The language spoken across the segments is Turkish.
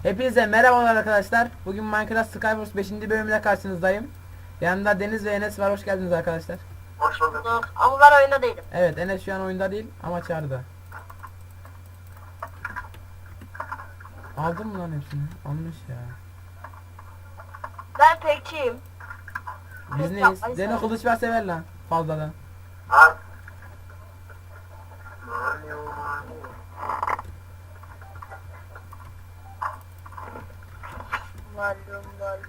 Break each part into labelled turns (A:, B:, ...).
A: Hepinize merhabalar arkadaşlar. Bugün Minecraft Skywars 5. bölümüyle karşınızdayım. Yanımda Deniz ve Enes var. Hoş geldiniz arkadaşlar.
B: Hoş bulduk. Ama ben oyunda değilim.
A: Evet, Enes şu an oyunda değil ama çağrıda. Aldın mı lan hepsini? Almış ya.
B: Ben tekçiyim.
A: Biz neyiz? Deno kılıç ver sever lan. Fazladan.
B: Al. Malum.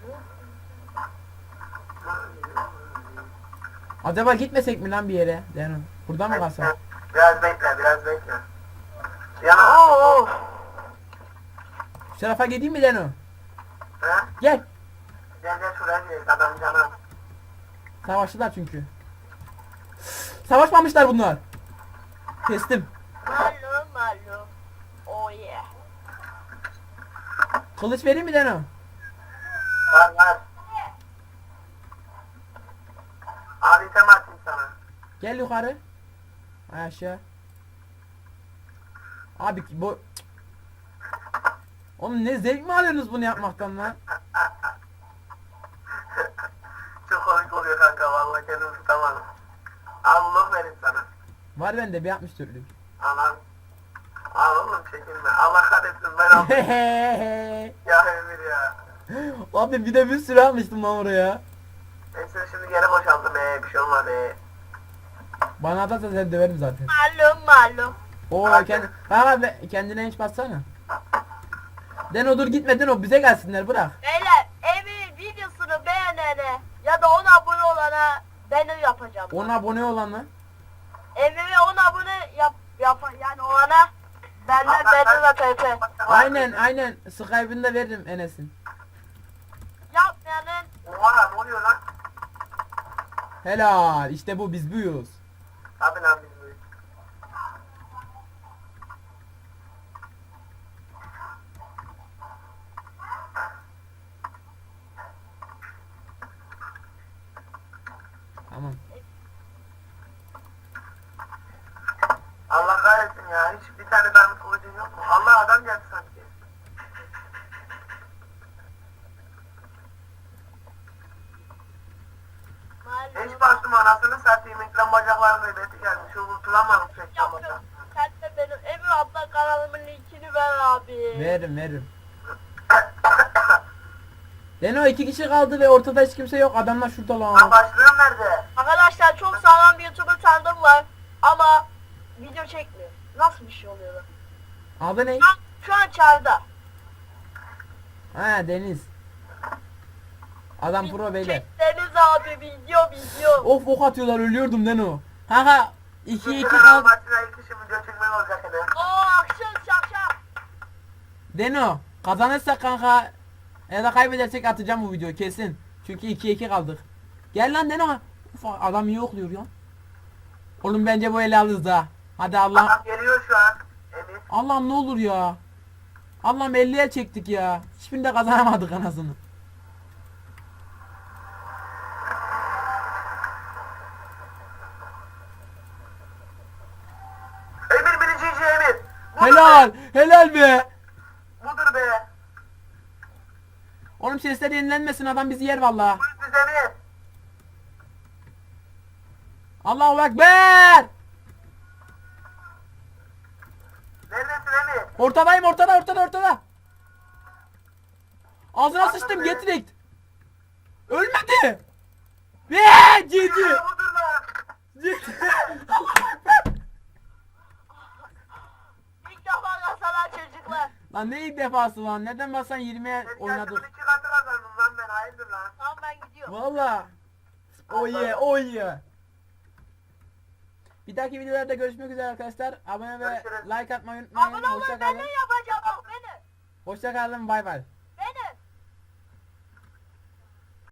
A: Acaba gitmesek mi lan bir yere? Deno. Burada mı kalsak?
C: Biraz bekle.
B: Oo.
A: Şu tarafa gideyim mi Deno?
C: Ha?
A: Gel.
C: Gel şuraya gel, adam canı.
A: Savaştılar çünkü. Savaşmamışlar bunlar. Kestim.
B: Malum. Oh yeah.
A: Kılıç vereyim mi Deno?
C: Var. Abi item atayım sana.
A: Gel yukarı. Ay aşağı. Abi bu... Oğlum ne zevk mi alıyorsunuz bunu yapmaktan lan?
C: Çok komik oluyor kanka, vallahi kendimi tutamadım. Allah verin sana.
A: Var bende bir 64'lük.
C: Anan. Al oğlum, çekinme. Allah kahretsin, ben aldım. Ya Emir ya.
A: Abi bir de bir sürü almıştım lan oraya.
C: Neyse şimdi geri boşalttım, bir şey olmadı.
A: Bana atarsa seni döverim zaten.
B: Malum.
A: Oo kendine hiç bassana. Deno dur gitme Deno, bize gelsinler bırak.
B: Beyler Emir videosunu beğenene ya da 10 abone olana banner yapacağım.
A: 10 abone olan lan.
B: Emir'e 10 abone yani olana benden banner ve pp.
A: Aynen Skype'ını da veririm Enes'in.
B: Yapmayanın
C: Oha, ne oluyor lan?
A: Helal işte bu, biz buyuz.
C: Abi lan biz büyük.
A: Tamam.
C: Allah kahretsin ya, hiç bir tane diamond kılıcın yok mu? Allah, adam geldi sanki. Hiç bastım, anasını satayım, ekran bacaklarının ödeti gelmiş. Unutulamadım ekran bacak.
B: Sen de benim Emir abla kanalımın linkini ver abi.
A: Veririm. Deno 2 kişi kaldı ve ortada hiç kimse yok. Adamlar şurada
C: Lan
A: lan.
C: başlığım nerede?
B: Arkadaşlar çok sağlam bir YouTuber tanıdım var ama video çekmiyor. Nasıl bir şey oluyor lan?
A: Adı ne?
B: Şu an çağrıda.
A: Ha Deniz. Adam pro beyler.
B: Deniz abi video.
A: Of ok atıyorlar, ölüyordum Deno. Kanka 2-2
C: Şu
A: kal.
C: maçına ilk işim video çekmek olacak hele.
B: Oo akşam şakşak.
A: Deno kazanırsak kanka ya da kaybedersek atacağım bu videoyu kesin. Çünkü 2-2 kaldık. Gel lan Deno. Uf, adam iyi okluyor ya. Oğlum bence bu ele alırız ha. Hadi Allah.
C: Adam geliyor şu an. Emir.
A: Allah'ım ne olur ya. Allah'ım 50'ye çektik ya. Hiçbirinde kazanamadık anasını.
C: Emir birinci Emir. Budur
A: Helal be.
C: Be. Budur be.
A: Oğlum sesler yenilenmesin, adam bizi yer vallahi.
C: Buyur siz Emir.
A: Allahu Ekber.
C: Neredesin Emir?
A: Ortadayım, ortada. Ağzına sıçtım, get direkt. Ölmedi. Ve GG.
C: Ya budur lan.
A: Allahu Ekber.
B: İlk defa kazanan çocuklar.
A: Lan ne ilk defası lan? Neden basan 20'ye
C: Oynadık.
A: oynadık?
C: 2 katı kazandım lan ben, hayırdır lan.
B: Tamam ben gidiyorum.
A: Valla. Oh yeah. Bir dahaki videolarda görüşmek üzere arkadaşlar. Abone ve
C: Görüşürüz.
A: like atmayı unutmayın.
B: Abone olun
A: Hoşça
B: ben
A: kalın.
B: ne yapacağım bak beni.
A: Hoşça kalın. Bay bay.